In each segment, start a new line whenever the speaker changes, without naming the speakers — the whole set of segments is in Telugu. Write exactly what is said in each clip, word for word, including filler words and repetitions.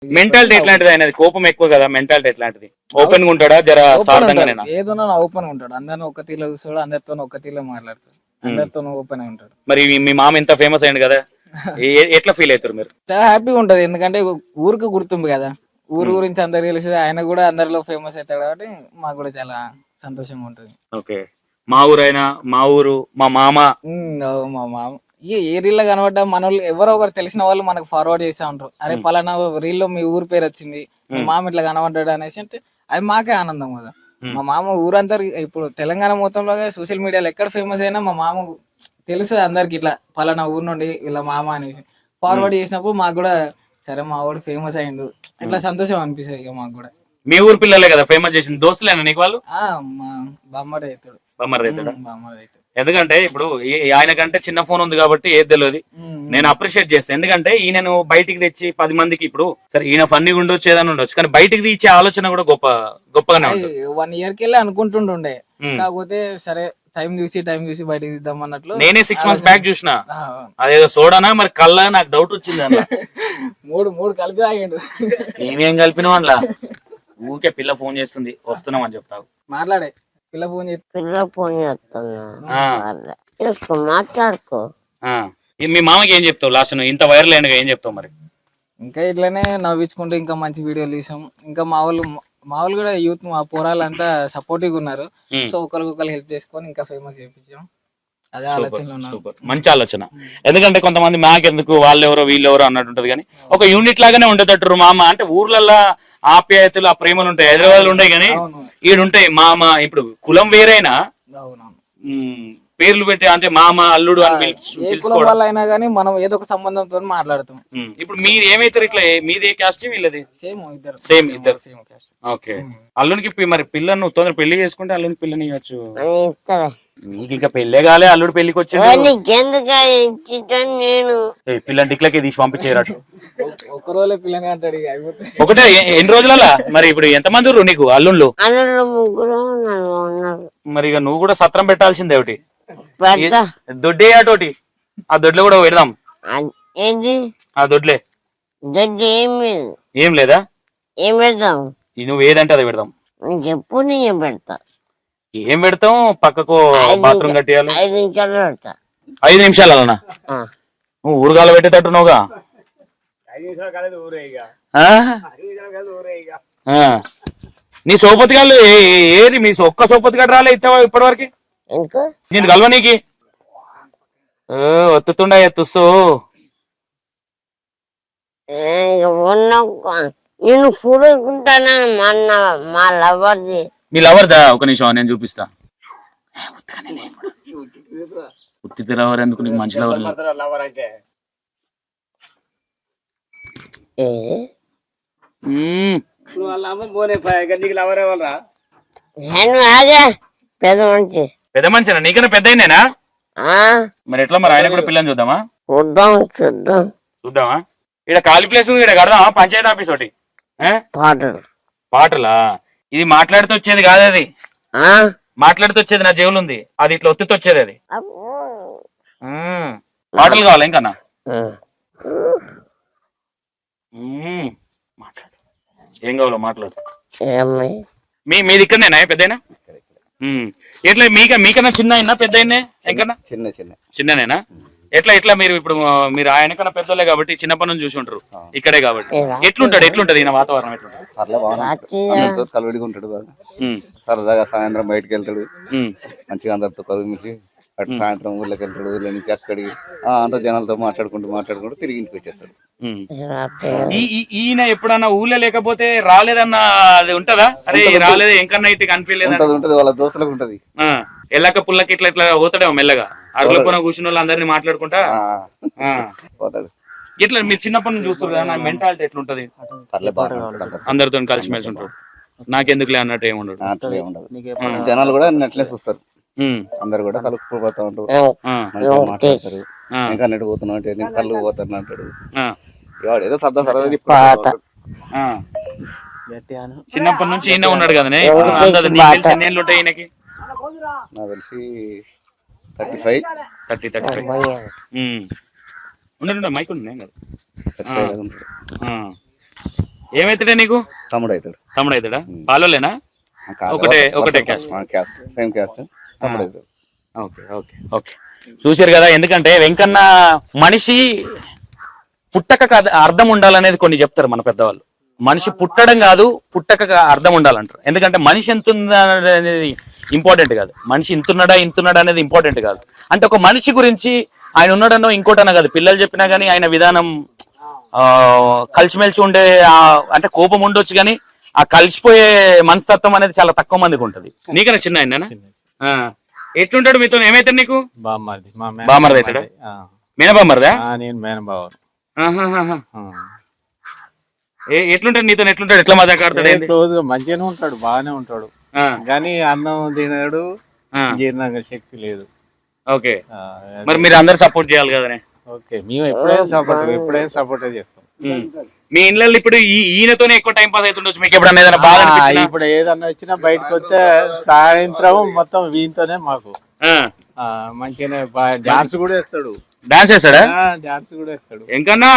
మెంటాలిటీ ఎట్లాంటిది ఆయనది? కోపం ఎక్కువ కదా, మెంటాలిటీ ఎట్లాంటిది? ఓపెన్ గా ఉంటాడా, జర సార్థంగానేనా?
ఏదైనా ఓపెన్ గా ఉంటాడు, అందరిని ఒక తీలో చూస్తాడు, అందరితో ఒక తీలో మాట్లాడతాడు, అందరితో ఓపెన్ గా ఉంటాడు.
మరి మీ మామ ఇంత ఫేమస్ అయింది కదా, ఎట్లా ఫీల్ అవుతారు మీరు?
చాలా హ్యాపీగా ఉంటది, ఎందుకంటే ఊరికి గుర్తింపు కదా, ఊరు గురించి అందరు తెలిసి ఆయన కూడా అందరిలో ఫేమస్ అవుతాడు కాబట్టి మాకు కూడా చాలా సంతోషంగా ఉంటది.
ఓకే, మా ఊరు అయినా మా ఊరు మా మామ
మా మామ ఈ ఏ రీల్లో కనబడ్డా మన వాళ్ళు ఎవరో ఒకరు తెలిసిన వాళ్ళు మనకు ఫార్వర్డ్ చేస్తా ఉంటారు, అరే పలానా రీల్లో మీ ఊరు పేరు వచ్చింది, మా మామ ఇట్లా కనబడ్డాడు అనేసి, అంటే అది మాకే ఆనందం కదా. మా మామ ఊరందరికి ఇప్పుడు తెలంగాణ మొత్తంలో సోషల్ మీడియాలో ఎక్కడ ఫేమస్ అయినా మా మామ తెలుసు అందరికి, ఇట్లా పలానా ఊరు నుండి ఇలా మామ అనేసి ఫార్వర్డ్ చేసినప్పుడు మాకు కూడా సరే మా వాడు ఫేమస్ అయ్యిండు ఇట్లా సంతోషం అనిపిస్తుంది ఇక మాకు కూడా.
మీ ఊరు పిల్లలే కదా ఫేమస్ చేసింది, దోస్తులేనా నీకు వాళ్ళు?
మా బామ్మడి అవుతాడు.
బామ్మడి అవుతాడు.
బామ్మడి అవుతాడు
ఎందుకంటే ఇప్పుడు ఆయన కంటే చిన్న ఫోన్ ఉంది కాబట్టి ఏది తెలియదు, నేను అప్రిషియేట్ చేస్తాను. ఎందుకంటే ఈయనను బయటికి తెచ్చి పది మందికి, ఇప్పుడు సరే ఈయన ఫన్నీ ఉండొచ్చు ఏదైనా ఉండొచ్చు, కానీ బయటికి తీసే ఆలోచన కూడా గొప్ప గొప్పగానే ఉంటుంది.
వన్ ఇయర్ కి వెళ్ళి అనుకుంటుండే, కాకపోతే సరే టైం చూసి టైం చూసి బయటకి తీద్దాం అన్నట్లు.
నేనే సిక్స్ మంత్స్ బ్యాక్ చూసిన, అదేదో సోడానా మరి కల్లా నాకు డౌట్ వచ్చింది అందులో.
మూడు మూడు కలిపి తాగిండు.
ఏమేం కలిపినావు అందులో? ఊరికే పిల్ల ఫోన్ చేస్తుంది వస్తున్నాం అని చెప్తావు, మాట్లాడే
పిల్ల ఫోన్
పిల్ల ఫోన్ చేస్తున్నా మాట్లాడుకో.
మీ మామకి ఏం చెప్తావు లాస్ట్? ఇంత వైరల్ అయినగా ఏం చెప్తావు మరి?
ఇంకా ఇట్లానే నవ్వించుకుంటూ ఇంకా మంచి వీడియోలు తీసాం, ఇంకా మా వాళ్ళు మా వాళ్ళు కూడా యూత్ మా పోరాలు అంతా సపోర్టివ్ ఉన్నారు, సో ఒకరికొకరు హెల్ప్ చేసుకొని ఇంకా ఫేమస్ చేయించాం. అదే ఆలోచనలో ఉన్నాం.
మంచి ఆలోచన, ఎందుకంటే కొంతమంది మాకెందుకు వాళ్ళెవరో వీళ్ళెవరో అన్నట్టు ఉంటది, కానీ ఒక యూనిట్ లాగానే ఉండేటట్టు మామ అంటే ఊర్లలో ఆప్యాయతలు ఆ ప్రేమలు ఉంటాయి, హైదరాబాద్ లో ఉంటాయి కానీ ఈడుంటాయి. మామ ఇప్పుడు కులం వేరైనా పేర్లు పెట్టి అంటే మామ అల్లుడు అని
పిలుచుకోవడం అయినా కానీ మనం ఏదో ఒక సంబంధంతో మాట్లాడుతాం.
ఇప్పుడు మీరు ఏమైతారు ఇట్లా? మీది ఏ క్యాస్ట్ వీళ్ళది?
సేమ్ ఇద్దరు
సేమ్ ఇద్దరు. ఓకే, అల్లునికి మరి పిల్లను తొందర పెళ్లి చేసుకుంటే అల్లుని పిల్లని ఇవ్వచ్చు. నీకు ఇంకా పెళ్లే కాలే, అల్లుడు పెళ్లికి వచ్చి
నేను
పిల్లని టిక్లకే తీసి పంపించేరట్టు.
ఒక రోజులే పిల్లని అంటాడు.
ఒకటే ఎన్ని రోజులలా? మరి ఇప్పుడు ఎంత మంది ఉన్నారు నీకు అల్లుళ్ళు?
ముగ్గురు
మరి ఇక నువ్వు కూడా సత్రం పెట్టాల్సిందే ఒకటి, దొడ్డే అటోటి. ఆ దొడ్లో కూడా పెడదాం.
ఏంటి
ఆ దొడ్లే?
దొడ్డు ఏం లేదు.
ఏం లేదా?
ఏం పెడతాం?
నువ్వు ఏదంటే అది పెడదాం.
చెప్పు, నేను పెడతా.
ఏం పెడతాం? పక్కకు బాత్రూమ్ కట్టేయాలి.
ఐదు నిమిషాలు పెడతా.
ఐదు నిమిషాలు అలనా? నువ్వు ఊరుగాల పెట్టేటట్టున్నావుగా. నీ సోపతి గారు ఏది? మీ ఒక్క సోపతి గడు రాలే ఇస్తావా ఇప్పటి వరకు? నేను కలవ నీకి ఒత్తుతుండ తుస్సు
నేను చూడుకుంటానా మా లవర్ది.
మీ లవర్దా? ఒక నిమిషం నేను చూపిస్తా. ఉత్తి లవర్ ఎందుకు? నీకు మంచి లవర్.
పెద్ద మంచి
పెద్ద మనిషినా? నీకన్నా పెద్ద అయినేనా? మరి ఎట్లా మరి? ఆయన కూడా పిల్లని చూద్దామా?
చూద్దాం చూద్దాం
చూద్దామా? ఇక్కడ ఖాళీ ప్లేస్ ఉంది, ఇక్కడ కడదామా పంచాయతీ ఆఫీస్ ఒకటి?
పాటలు
పాటలా? ఇది మాట్లాడుతూ వచ్చేది కాదు, అది మాట్లాడుతూ వచ్చేది నా జేబులు ఉంది, అది ఇట్లా ఒత్తితో వచ్చేది. అది పాటలు కావాలా ఇంకన్నా? మాట్లాడు, ఏం కావాలో మాట్లాడు. మీ మీది ఇక్కడనేనా పెద్దయినా? ఎట్లా మీక మీకన్నా చిన్న అయినా పెద్ద అయినా? ఇంకన్నా
చిన్న చిన్న
చిన్ననేనా? ఎట్లా ఎట్లా మీరు ఇప్పుడు మీరు ఆయన కన్నా పెద్దోళ్ళే కాబట్టి చిన్నప్పటి నుంచి చూసి ఉంటారు ఇక్కడే కాబట్టి. ఎట్లుంటాడు? ఎట్లుంటది ఈయన వాతావరణం? ఎట్లుంటాడు?
కలువడిగా ఉంటాడు బాగా, సరదాగా సాయంత్రం బయటకు వెళ్తాడు, మంచిగా అందరితో కలుగుమిసి అటు సాయంత్రం ఊళ్ళకి వెళ్తాడు, ఊళ్ళో నుంచి అక్కడికి అంత జనాలతో మాట్లాడుకుంటూ మాట్లాడుకుంటూ తిరిగి ఇంటికి వచ్చేస్తాడు.
ఈయన ఎప్పుడన్నా ఊళ్ళో లేకపోతే రాలేదన్న అది ఉంటదా? అరే రాలేదు ఎంకన్నా ఇటు కనిపించలేదు
ఉంటది, వాళ్ళ దోస్తులకు ఉంటది.
ఎల్లక పుల్లకి ఇట్లా ఇట్లా పోతాడేమో మెల్లగా, అరుగులో కూర్చున్న వాళ్ళు అందరినీ మాట్లాడుకుంటా
పోతాడు.
ఇట్లా మీరు చిన్నప్పటి నుంచి చూస్తారు కదా, నా మెంటాలిటీ ఎట్లుంటది? అందరితో కలిసిమెలిసి ఉంటాడు, నాకెందుకులే అన్నట్టు ఏమి ఉండదు.
జనాలు కూడా అట్లే చూస్తారు, అందరు కూడా కలుపుకుపోతా ఉంటారు, మాట్లాడతారు. ఇంకా నెట్టు పోతున్నావు అంటే నేను కళ్ళు పోతాను అంటాడు. ఏదో సరదా సరదా.
చిన్నప్పటి నుంచి ఈయన ఉన్నాడు కదా, ఎన్ని ఉంటాయి ఈయనకి?
నాకు తెలిసి thirty five
thirty thirty five ఉండండి, మైక్ ఉండే కదా. ఏమైతాడే నీకు?
తమ్ముడు అవుతాడు.
తమ్ముడు అవుతాడా? పాలోలేనా? ఒకటే ఒకటే క్యాస్ట్.
క్యాస్ట్ సేమ్ క్యాస్ట్ తమ్ముడు అవుతాడు.
ఓకే ఓకే ఓకే చూసారు కదా. ఎందుకంటే వెంకన్న మనిషి పుట్టక అర్థం ఉండాలనేది కొన్ని చెప్తారు మన పెద్దవాళ్ళు. మనిషి పుట్టడం కాదు, పుట్టక అర్థం ఉండాలంటారు. ఎందుకంటే మనిషి ఎంత అనేది ఇంపార్టెంట్ కాదు, మనిషి ఇంతున్నాడా ఇంతున్నాడా అనేది ఇంపార్టెంట్ కాదు. అంటే ఒక మనిషి గురించి ఆయన ఉన్నాడనో ఇంకోటనో కాదు, పిల్లలు చెప్పినా కానీ ఆయన విధానం ఆ కలిసిమెలిసి ఉండే అంటే కోపం ఉండొచ్చు కానీ ఆ కలిసిపోయే మనస్తత్వం అనేది చాలా తక్కువ మందికి ఉంటది. నీకన్నా చిన్న ఆయన ఎట్లుంటాడు మీతో? ఏమైతాడు నీకు? బామ్మర్ది అవుతాడా? మేనబామ్మర్దా?
నేను మేనబావ.
ఎట్లుంటాడు నీతో? ఎట్లుంటాడు? ఎట్లా మజాక్ ఆడతాడు?
క్లోజ్ గా మంచిగానే ఉంటాడు, బాగానే ఉంటాడు. కానీ అన్నం తినడు, జీర్ణంగ శక్తి లేదు.
ఓకే, మరి మీరు అందరు సపోర్ట్ చేయాలి కదనే?
ఓకే, మేము ఎప్పుడైనా సపోర్ట్ ఎప్పుడైనా సపోర్ట్ చేస్తాం.
మీ ఇళ్ళల్లో ఇప్పుడు ఈయనతోనే ఎక్కువ టైం పాస్ అవుతుండొచ్చు. మీకు ఎప్పుడన్నా ఏదైనా బాధ అనిపించినా?
ఇప్పుడు ఏదన్నా వచ్చినా బయటకు వస్తే సాయంత్రం మొత్తం వీనితోనే మాకు మంచిగానే డాన్స్ కూడా వేస్తాడు.
డాన్స్ వేస్తాడా?
డాన్స్ కూడా వేస్తాడు.
ఇంకన్నా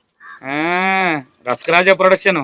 రసకరాజా ప్రొడక్షన్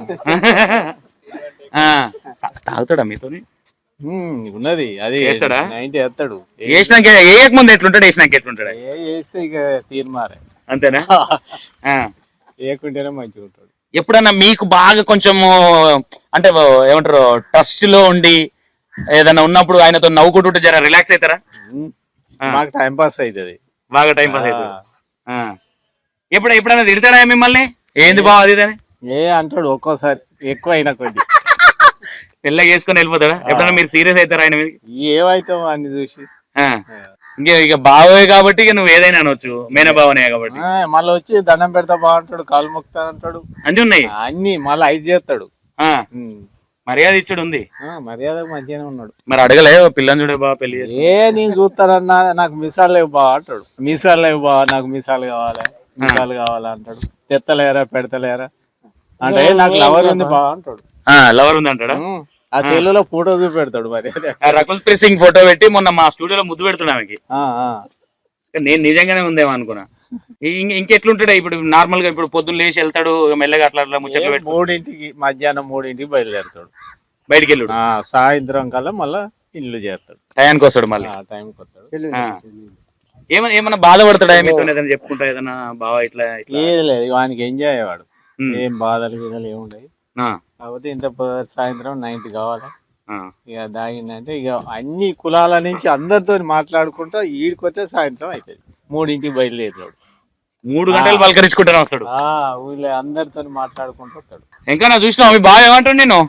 తాగుతాడా మీతోని?
ఉన్నది అది
వేస్తాడా?
నైన్టీ వేస్తాడు.
వేసినాక వేయక ముందు ఎట్లుంటాడు, వేసినాక ఎట్లుంటాడు?
వేస్తే ఇక తీర్మారే.
అంతేనా?
వేయకుంటేనే మంచిగా ఉంటాడు.
ఎప్పుడన్నా మీకు బాగా కొంచెము అంటే ఏమంటారు ట్రస్ట్ లో ఉండి ఏదైనా ఉన్నప్పుడు ఆయనతో నవ్వుకుంటుంటే జర రిలాక్స్ అవుతారా?
మాకు టైం పాస్ అవుతుంది,
బాగా టైం పాస్ అవుతుంది. ఎప్పుడు ఎప్పుడైనా తిడతాడా మిమ్మల్ని? ఏంది బావ అది ఇదని?
ఏ అంటాడు ఒక్కోసారి, ఎక్కువ అయినా కొద్ది
పెళ్ళ చేసుకుని వెళ్ళిపోతాడా? ఎప్పుడైనా మీరు సీరియస్ అవుతారా ఆయన మీద?
ఏమైతావు అన్ని చూసి.
ఇంక ఇక బావే కాబట్టి ఇక నువ్వు ఏదైనా అనొచ్చు, మేన బావనే కాబట్టి.
మళ్ళీ వచ్చి దండం పెడతా బాగుంటాడు, కాలు మొక్తా అంటాడు,
అన్ని ఉన్నాయి
అన్ని మళ్ళీ ఐదు చేస్తాడు.
మర్యాద ఇచ్చాడు ఉంది,
మర్యాద మంచిగానే ఉన్నాడు.
మరి అడగలే పిల్లని చూడే బావ పెళ్లి చేసి?
ఏ నేను చూస్తానన్నా నాకు మిసాలు లేవు బా అంటాడు. మిసాలు లేవు బా, నాకు మిసాలు కావాలి, మిసాలు కావాలా అంటాడు. తెత్తలేరా పెడతలేరా అంటే నాకు లవర్ ఉంది బా అంటాడు.
లవర్ ఉంది అంటాడా?
ఆ సెల్లులో ఫోటో చూపెడతాడు. మరి
రకుల్ ప్రీత్ సింగ్ ఫోటో పెట్టి మొన్న మా స్టూడియోలో ముద్దు పెడుతున్నా ఆమెకి. నేను నిజంగానే ఉందేమో అనుకున్నా. ఇంకెట్లుంటాడా ఇప్పుడు నార్మల్ గా? ఇప్పుడు పొద్దున్న లేచి వెళ్తాడు మెల్లగా అట్లా అట్లా ముచ్చట్లు పెట్టి
మూడింటికి మధ్యాహ్నం మూడింటికి బయలుదేరుతాడు,
బయటికి వెళ్ళాడు.
సాయంత్రం కల్లా మళ్ళా ఇల్లు చేస్తాడు,
టయానికి వస్తాడు, మళ్ళీ
టైంకి వస్తాడు.
ఏమన్నా ఏమన్నా బాధపడతాడా మీతో? ఏదైనా చెప్పుకుంటా ఏదన్నా బావా ఇట్లా
ఏది లేదు, వానికి ఎంజాయ్ అయ్యేవాడు. ఏం బాధలు గీదలు ఏముండయి. కాకపోతే ఇంత సాయంత్రం నైన్టీ కావాలి. ఇక దాగిందంటే ఇక అన్ని కులాల నుంచి అందరితో మాట్లాడుకుంటా ఈడికొస్తే సాయంత్రం అవుతుంది. మూడింటికి బయలుదేరాడు,
మూడు గంటలు పలకరించుకుంటానే వస్తాడు.
ఊళ్ళో అందరితో మాట్లాడుకుంటూ వస్తాడు.
ఇంకా నా చూసినావు మీ బావ ఏమంటాడు నేను?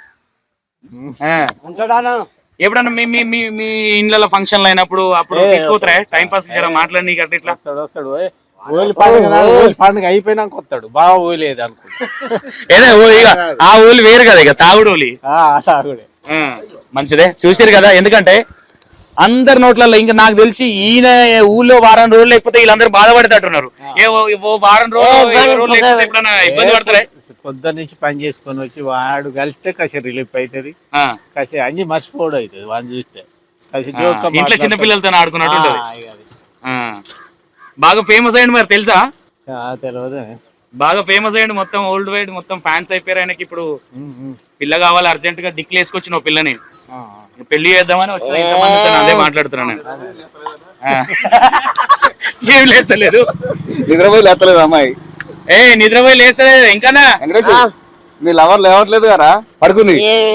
ఎప్పుడన్నా మీ మీ మీ మీ ఇండ్ల ఫంక్షన్లు అయినప్పుడు అప్పుడు తీసుకోతారా టైం పాస్ మాట్లాడి నీకు అట్లా ఇట్లా?
వస్తాడు వస్తాడు ఓలి పండుగ పండుగ అయిపోయినాక వస్తాడు. బాగా ఓలేదు అనుకుంటా.
ఏదో ఇక ఆ ఊళ్ళు వేరు కదా, ఇక తాగుడు ఓలి
తాగుడే
మంచిదే. చూసారు కదా, ఎందుకంటే అందరి నోట్లలో ఇంకా నాకు తెలిసి ఈయన ఊళ్ళో వారం రోజులు లేకపోతే వీళ్ళందరూ బాధపడేటట్టున్నారు. ఏ వారం రోజులు ఎప్పుడైనా ఇబ్బంది పడతారా?
పొద్దున్న నుంచి పని చేసుకొని వచ్చి వాడు కలిస్తే కాసేపు రిలీఫ్ అవుతుంది, కాసేపు అన్ని మర్చిపోవడం అవుతుంది వాడిని చూస్తే.
ఇంట్లో చిన్న పిల్లలతో ఆడుకున్నట్టు ఉంటది. బాగా ఫేమస్ అయ్యండి మరి తెలుసా?
తెలియదు,
బాగా ఫేమస్ అయ్యండి, మొత్తం ఓల్డ్ వైడ్ మొత్తం ఫ్యాన్స్ అయిపోయారు ఆయనకి. ఇప్పుడు పిల్ల కావాలి అర్జెంట్ గా దిక్కులు వేసుకొచ్చిన పిల్లని పెళ్లి చేద్దామని వచ్చిన. ఇంతమంది అదే మాట్లాడుతున్నాను. ఏం లేస్తలేదు,
నిద్రపోయి లేస్తలేదు అమ్మాయి.
ఏ నిద్రపోయి లేస్తలేదు ఇంకా?
మీ లవర్ లేవట్లేదు కదా, పడుకుంది.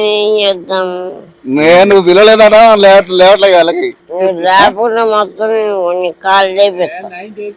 నేను పిలవలేదా? లేవట్లేదు వాళ్ళకి.
రాకుండా మొత్తం కాళ్ళు